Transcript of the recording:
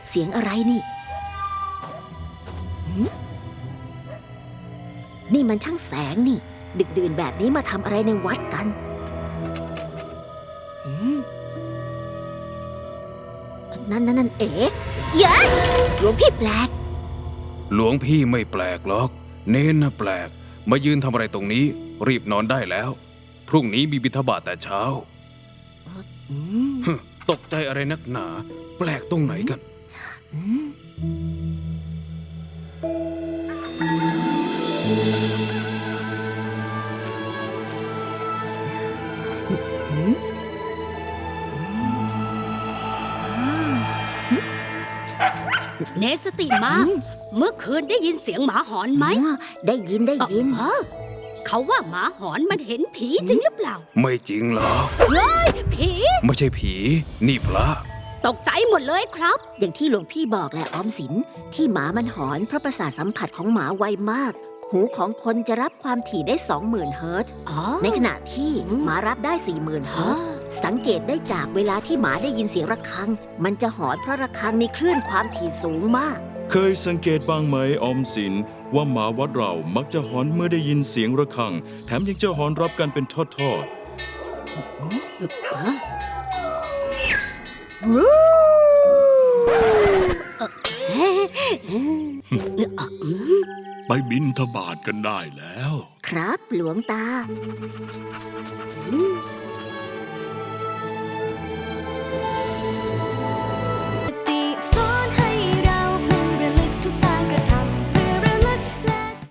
เสียงอะไรนี่นี่มันช่างแสงนี่ ดึกดื่นแบบนี้มาทำอะไรในวัดกันนั่นเอ๋เย้หลวงพี่แปลกหลวงพี่ไม่แปลกหรอก เน้นนะแปลกมายืนทำอะไรตรงนี้รีบนอนได้แล้ว พรุ่งนี้มีบิณฑบาตแต่เช้าตกใจอะไรนักหนาแปลกตรงไหนกันเนสติมาเมื่อคืนได้ยินเสียงหมาหอนไหมได้ยินเขาว่าหมาหอนมันเห็นผีจริงหรือเปล่าไม่จริงหรอกเฮ้ยผีไม่ใช่ผีนี่พระตกใจหมดเลยครับอย่างที่หลวงพี่บอกแหละออมสินที่หมามันหอนเพราะประสาทสัมผัสของหมาไวมากหูของคนจะรับความถี่ได้ 20,000 เฮิรตซ์ในขณะที่หมารับได้ 40,000 เฮิรตซ์สังเกตได้จากเวลาที่หมาได้ยินเสียงระฆังมันจะหอนเพราะระฆังมีคลื่นความถี่สูงมากเคยสังเกตบ้างไหมออมสินว่าหมาวัดเรามักจะหอนเมื่อได้ยินเสียงระฆังแถมยังจะหอนรับกันเป็นทอดไปบิณฑบาตกันได้แล้วครับหลวงตา